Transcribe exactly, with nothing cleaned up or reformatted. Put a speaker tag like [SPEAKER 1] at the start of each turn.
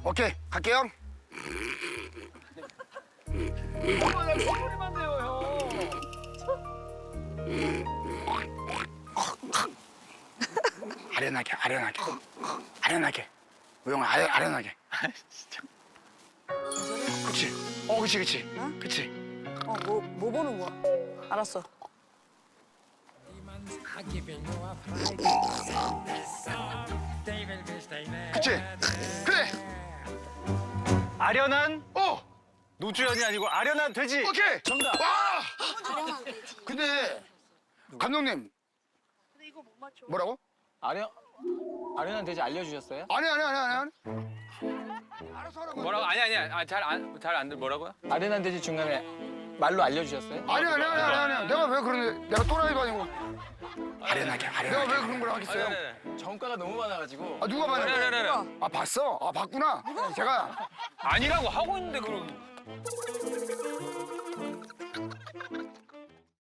[SPEAKER 1] 오케이, 갈게요.
[SPEAKER 2] 이거는 소리만 돼요, 형.
[SPEAKER 1] 아련하게, 아련하게, 아련하게. 우영아, 아련, 아련하게.
[SPEAKER 2] 진짜.
[SPEAKER 1] 그치? 어, 그치, 그치. 그치?
[SPEAKER 3] 어, 뭐, 뭐 보는 거야? 알았어.
[SPEAKER 1] 그치? 그래!
[SPEAKER 2] 아련한
[SPEAKER 1] 어!
[SPEAKER 2] 노주현이 아니고 아련한 돼지.
[SPEAKER 1] 오케이!
[SPEAKER 2] 정답.
[SPEAKER 1] 와! 근데, 감독님. 뭐라고?
[SPEAKER 4] 아련 아련한 돼지 알려주셨어요?
[SPEAKER 1] 아니, 아니, 아니, 아니. 아니. 알아서 하라고.
[SPEAKER 5] 뭐라고? 아니 아니 아니 잘안잘안 들 뭐라고요?
[SPEAKER 4] 아련한 돼지 중간에 말로 알려주셨어요?
[SPEAKER 1] 아니, 아니, 아니, 아니, 아니. 내가 왜 그러는데, 내가 또라이도 아니고. 아련하게, 아련하게. 내가 왜 그런 걸 하겠어요?
[SPEAKER 5] 아니
[SPEAKER 4] 정가가 너무 많아가지고.
[SPEAKER 1] 아, 누가
[SPEAKER 5] 아니 아니
[SPEAKER 1] 봤냐?
[SPEAKER 5] 아니
[SPEAKER 1] 아, 봤어? 아, 봤구나? 제가.
[SPEAKER 5] 아니라고 하고 있는데 그럼